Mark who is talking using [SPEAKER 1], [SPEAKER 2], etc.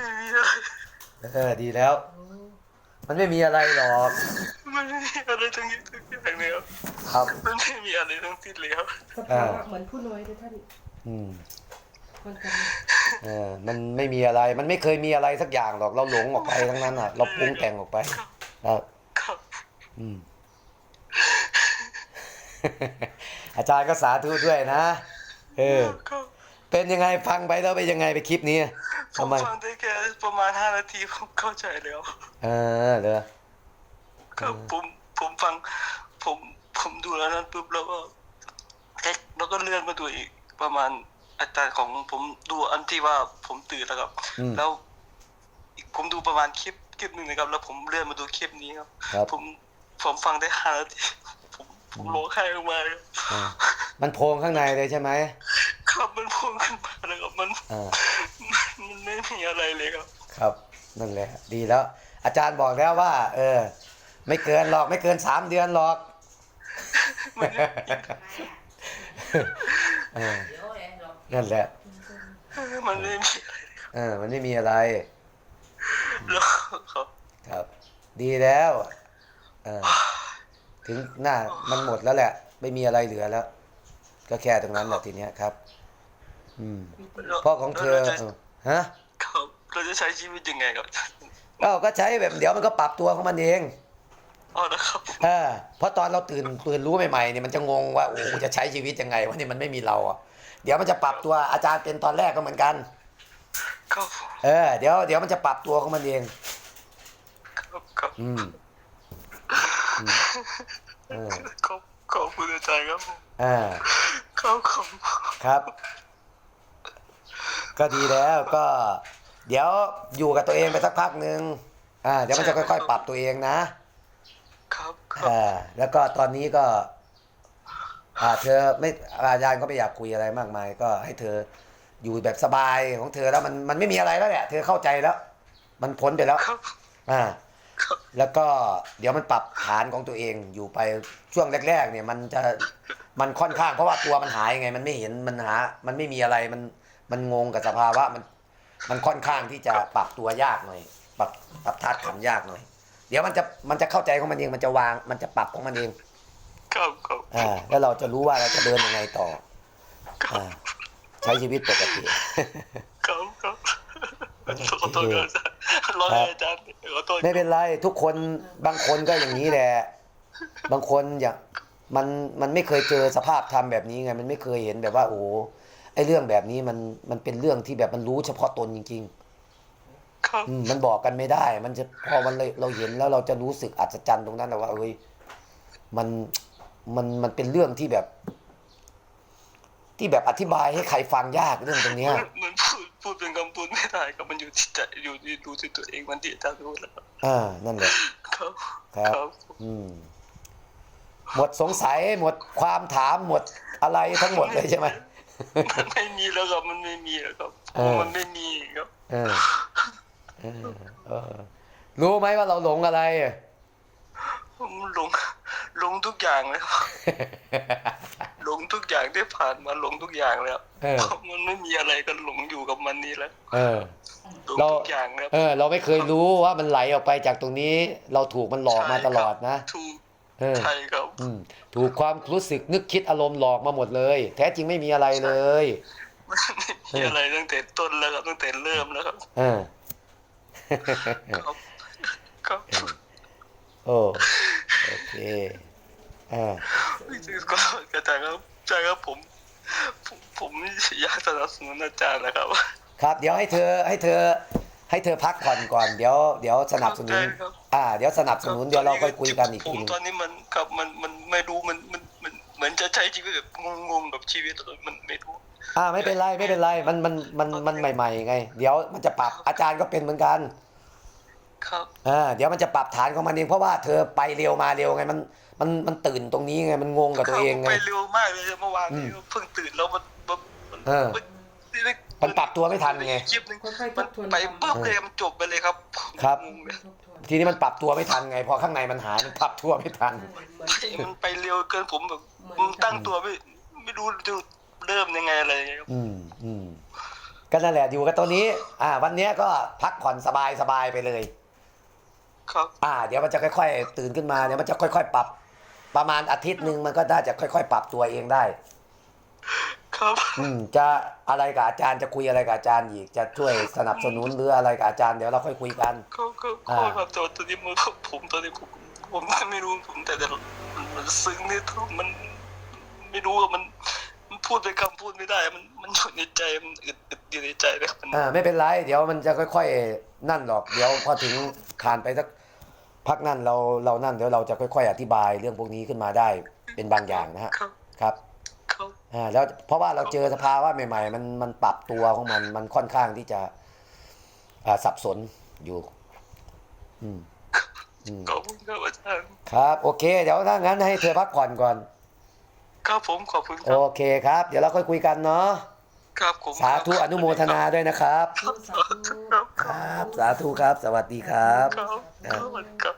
[SPEAKER 1] มีอะไร
[SPEAKER 2] ดีแล้ว มันไม่มีอะไรหรอก
[SPEAKER 1] มันไม่มีอะไรทั้งอย่างเลยครับ
[SPEAKER 2] ครับ
[SPEAKER 1] มันไม่มีอะไรทั้งสิ้นเลยครับ
[SPEAKER 3] สภาวะเหมือนผู้น้อยเลยท่าน
[SPEAKER 2] อืม
[SPEAKER 3] คนกัน
[SPEAKER 2] มันไม่มีอะไร มันไม่เคยมีอะไรสักอย่างหรอก เราหลงออกไปทั้งนั้นอ่ะ เราปรุงแต่งออกไปครับ
[SPEAKER 1] ครับ
[SPEAKER 2] อืม อาจารย์ก็สาธุด้วยนะ
[SPEAKER 1] ครับ
[SPEAKER 2] เป็นยังไงฟังไปแล้วเป็นยังไงไปคลิปนี้
[SPEAKER 1] ผ
[SPEAKER 2] ทำ
[SPEAKER 1] ม
[SPEAKER 2] ไม
[SPEAKER 1] ฟังได้แค่ประมาณ5 นาทีผมเข้าใจแล้ว
[SPEAKER 2] เหรอ
[SPEAKER 1] ครับผมฟังผมดูแล้วนั้นปุ๊บแล้วก็แล้วก็เลื่อนมาดูอีกประมาณอาจารย์ของผมดูอันที่ว่าผมตื่นแล้วครับ แล้วผมดูประมาณคลิปหนึ่งนะครับ แล้วผมเลื่อนมาดูคลิปนี้ครับ ผมฟังได้5 นาทีผมร้องไห้ออกมาเลย
[SPEAKER 2] มันโพรงข้างในเลยใช่ไหม
[SPEAKER 1] ครับมันพุ่งขึ้นมาเลยครับมันไม่มีอะไรเลยครับ
[SPEAKER 2] ครับ นั่นแหละ ดีแล้ว อาจารย์บอกแล้วว่า ไม่เกินหรอกไม่เกิน3 เดือนหรอกนั่นแหละ
[SPEAKER 1] มันไม่มีอะไร
[SPEAKER 2] มันไม่มีอะไร
[SPEAKER 1] แล้วครับ
[SPEAKER 2] ครับ ดีแล้วถึงหน้ามันหมดแล้วแหละ ไม่มีอะไรเหลือแล้ว ก็แค่ตรงนั้นแหละทีเนี้ยครับ พ่อของเธอฮะ
[SPEAKER 1] ครับเราจะใช้ชีวิตยังไงครับ
[SPEAKER 2] ก็ใช้แบบเดี๋ยวมันก็ปรับตัวของมันเอง
[SPEAKER 1] อ๋อนะครับ
[SPEAKER 2] เพราะตอนเราตื่นรู้ใหม่ๆเนี่ยมันจะงงว่าโอ้จะใช้ชีวิตยังไงวะนี่มันไม่มีเราอ่ะเดี๋ยวมันจะปรับตัวอาจารย์เป็นตอนแรกก็เหมือนกัน
[SPEAKER 1] ครับ
[SPEAKER 2] เดี๋ยวมันจะปรับตัวของมันเอง
[SPEAKER 1] ครับ ขอบคุณอาจารย์ครับ
[SPEAKER 2] ครับ ก็ดีแล้วก็ เดี๋ยวอยู่กับตัวเองไปสักพักหนึ่งเดี๋ยวมันจะค่อยๆปรับตัวเองนะครับแล้วก็ตอนนี้ก็เธอไม่อาจารย์ก็ไม่อยากคุยอะไรมากมายก็ให้เธออยู่แบบสบายของเธอแล้วมันไม่มีอะไรแล้วแหละเธอเข้าใจแล้ว มันพ้นไปแล้วแล้วก็เดี๋ยวมันปรับฐานของตัวเองอยู่ไปช่วงแรกๆเนี่ยมันค่อนข้างเพราะว่าตัวมันหายไงมันไม่เห็นมันไม่มีอะไรมันงงกับสภาวะมันค่อนข้างที่จะปรับตัวยากหน่อยปรับธาตุขันธ์ยากหน่อยเดี๋ยวมันจะเข้าใจของมันเองมันจะวางมันจะปรับของมันเองแล้วเราจะรู้ว่าเราจะเดินยังไงต่อใช้ชีวิตปกติ
[SPEAKER 1] ครับขอโทษอาจารย์ร้องอาจารย์ขอโทษ
[SPEAKER 2] ไม่เป็นไรทุกคนบางคนก็อย่างนี้แหละบางคนอย่างมันไม่เคยเจอสภาพธรรมแบบนี้ไงมันไม่เคยเห็นแบบว่าโอ้ไอเรื่องแบบนี้มันเป็นเรื่องที่แบบมันรู้เฉพาะตนจริงๆมันบอกกันไม่ได้มันจะพอเราเห็นแล้วเราจะรู้สึกอัศจรรย์ตรงนั้นนะว่าเอ้ยมันเป็นเรื่องที่แบบอธิบายให้ใครฟังยากเรื่องตรงนี้
[SPEAKER 1] มันพูดเป็นคำพูดไม่ได้ครับมันอยู่ที่ใจอยู่ที่รู้ที่ตัวเองมันที่อาจารย์รู้แล้ว
[SPEAKER 2] นั่นแหละ
[SPEAKER 1] ครับ
[SPEAKER 2] หมดสงสัยหมดความถามหมดอะไรทั้งหมดเลยใช่ไหม
[SPEAKER 1] มันไม่มีแล้วครับมันไม่มีแล้วครับมันไม่มีครับ
[SPEAKER 2] รู้ไหมว่าเราหลงอะไร
[SPEAKER 1] ผมหลงทุกอย่างเลยครับหลงทุกอย่างที่ผ่านมาหลงทุกอย่างแล้วมันไม่มีอะไรกันหลงอยู่กับมันนี่แล้วหลงทุกอย่างแล้ว
[SPEAKER 2] เราไม่เคยรู้ว่ามันไหลออกไปจากตรงนี้เราถูกมันหลอกมาตลอดนะ
[SPEAKER 1] ถูกใช่ครับ
[SPEAKER 2] ถูกความรู้สึกนึกคิดอารมณ์หลอกมาหมดเลยแท้จริงไม่มีอะไรเลย
[SPEAKER 1] ไม่มีอะไรตั้งแต่ต้นแล้วครับตั้งแต่เริ่มแล้วครับครับ
[SPEAKER 2] โอเค
[SPEAKER 1] ก็อาจารย์ครับผมอยากสนับสนุนอาจารย์นะครับ
[SPEAKER 2] ครับเดี๋ยวให้เธอพักผ่อนก่อนเดี๋ยวสนับสนุนเดี๋ยวสนับสนุนเดี๋ยวเราค่อยคุยกันอีกทีนึง
[SPEAKER 1] ตอนนี้มันครับมันไม่รู้มันเหมือนจะใช้ชีวิตแบบงงกับชีวิตมันไม่รู้
[SPEAKER 2] ไม่เป็นไรมันใหม่ๆไงเดี๋ยวมันจะปรับอาจารย์ก็เป็นเหมือนกัน
[SPEAKER 1] ครับ
[SPEAKER 2] เดี๋ยวมันจะปรับฐานของมันเองเพราะว่าเธอไปเร็วมาเร็วไงมันตื่นตรงนี้ไงมันงงกับตัวเองไง
[SPEAKER 1] ไปเร็วมากเลยเมื่อวานนี้เพิ่งตื่นแล้ว
[SPEAKER 2] มันปรับตัวไม่ทันไง
[SPEAKER 1] คลิปนึงมันไปปุ๊บเลยมันจบไปเลยครับ
[SPEAKER 2] ทีนี้มันปรับตัวไม่ทันไงพอข้างในมันหายมันปรับตัวไม่ทัน
[SPEAKER 1] มันไปเร็วเกินผมแบบตั้งตัวไม่รู้จะเริ่มยังไงอะไรอย่างเงี้ยครับ
[SPEAKER 2] ก็นั่นแหละอยู่กับตัวนี้วันเนี้ยก็พักผ่อนสบายไปเลย
[SPEAKER 1] ครับ
[SPEAKER 2] เดี๋ยวมันจะค่อยๆตื่นขึ้นมาเดี๋ยวมันจะค่อยๆปรับประมาณอาทิตย์หนึ่งมันก็น่าจะค่อยๆปรับตัวเองได้
[SPEAKER 1] ครับ
[SPEAKER 2] จะอะไรกับอาจารย์จะคุยอะไรกับอาจารย์อีกจะช่วยสนับสนุนหรืออะไรกับอาจารย์เดี๋ยวเราค่อยคุยกัน
[SPEAKER 1] ก็ครับแต่ว่าตอนนี้ผมตอนนี้ผมไม่รู้ผมแต่มันซึ้งนี่มันไม่รู้ว่ามันพูดไปคำพูดไม่ได้มันอยู่ในใจมันอึดอยู่ในใจเลยครับมัน
[SPEAKER 2] ไม่เป็นไรเดี๋ยวมันจะค่อยๆนั่นหรอกเดี๋ยวพอถึงผ่านไปสักพักนั่นเรานั่นเดี๋ยวเราจะค่อยๆอธิบายเรื่องพวกนี้ขึ้นมาได้เป็นบางอย่างนะฮะ
[SPEAKER 1] ครับ
[SPEAKER 2] ครับ
[SPEAKER 1] ครับ
[SPEAKER 2] แล้วเพราะว่าเราเจอสภาวะใหม่ๆมันปรับตัวของมันค่อนข้างที่จะสับสนอยู่
[SPEAKER 1] ขอบคุณครับอาจารย์
[SPEAKER 2] ครับโอเคเดี๋ยวถ้างั้นให้เธอพักผ่อนก่อน
[SPEAKER 1] ครับผมขอบคุณค
[SPEAKER 2] โอ
[SPEAKER 1] รับ
[SPEAKER 2] เคครับ เดี๋ยวเราค่อยคุยกันเนาะ
[SPEAKER 1] ครับผม
[SPEAKER 2] สาธุอนุโมทนาด้วยนะครับ
[SPEAKER 3] สาธุ
[SPEAKER 2] ครับสาธุครับ สวัสดีครับ
[SPEAKER 1] ครับครับ